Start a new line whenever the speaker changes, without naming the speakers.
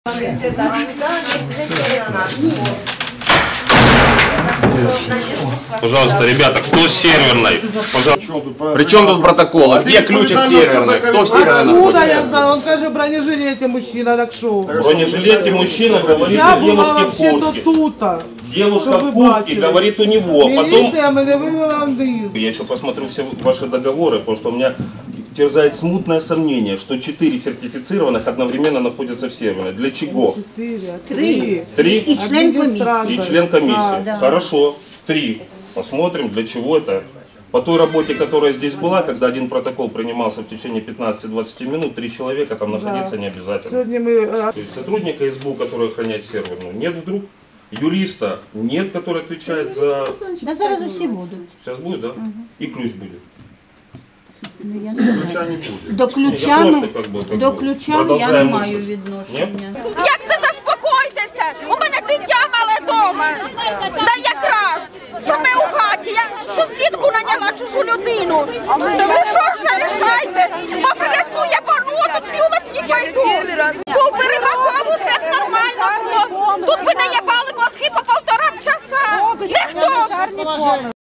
Пожалуйста, ребята, кто с серверной?
Причем тут протоколы? Где ключик серверный? Кто в серверной
Откуда я
находится?
знаю? Он каже, в бронежилете мужчина, так шо?
В буронежилете мужчина говорит
Я
о
була
девушке в
вообще-то
куртке.
тут.
Девушка в куртке говорит у него. Потом
Милиция мене вивела вниз.
я еще посмотрю все ваши договоры, потому что у меня терзает смутное сомнение, что 4 сертифицированных одновременно находятся в серверной. Для чего?
3.
3?
И член комиссии.
И член комиссии.
Да.
Хорошо. 3. Посмотрим, для чего это. По той работе, которая здесь была, когда один протокол принимался в течение 15-20 минут, 3 человека там находиться не обязательно.
Сьогодні ми...
То есть сотрудника СБУ, который охраняет серверную, нет вдруг. Юриста нет, который отвечает за...
Да зараз усі будуть.
Сейчас будет, да? И ключ будет.
Ключа не будет.
До ключами,
просто как бы
до ключами я не
продовжаємо
маю
мысль.
відношення.
Як це заспокойтеся? У мене дитя мале дома. Да якраз. Саме у хаті. Я сусідку наняла чужу людину. То ви що ж не рішайте? Бо принесу я бону, тут люлик не пойду. Був перебаков, усе нормально було. Тут ви наїбали мозги по 1,5 часа. Ніхто.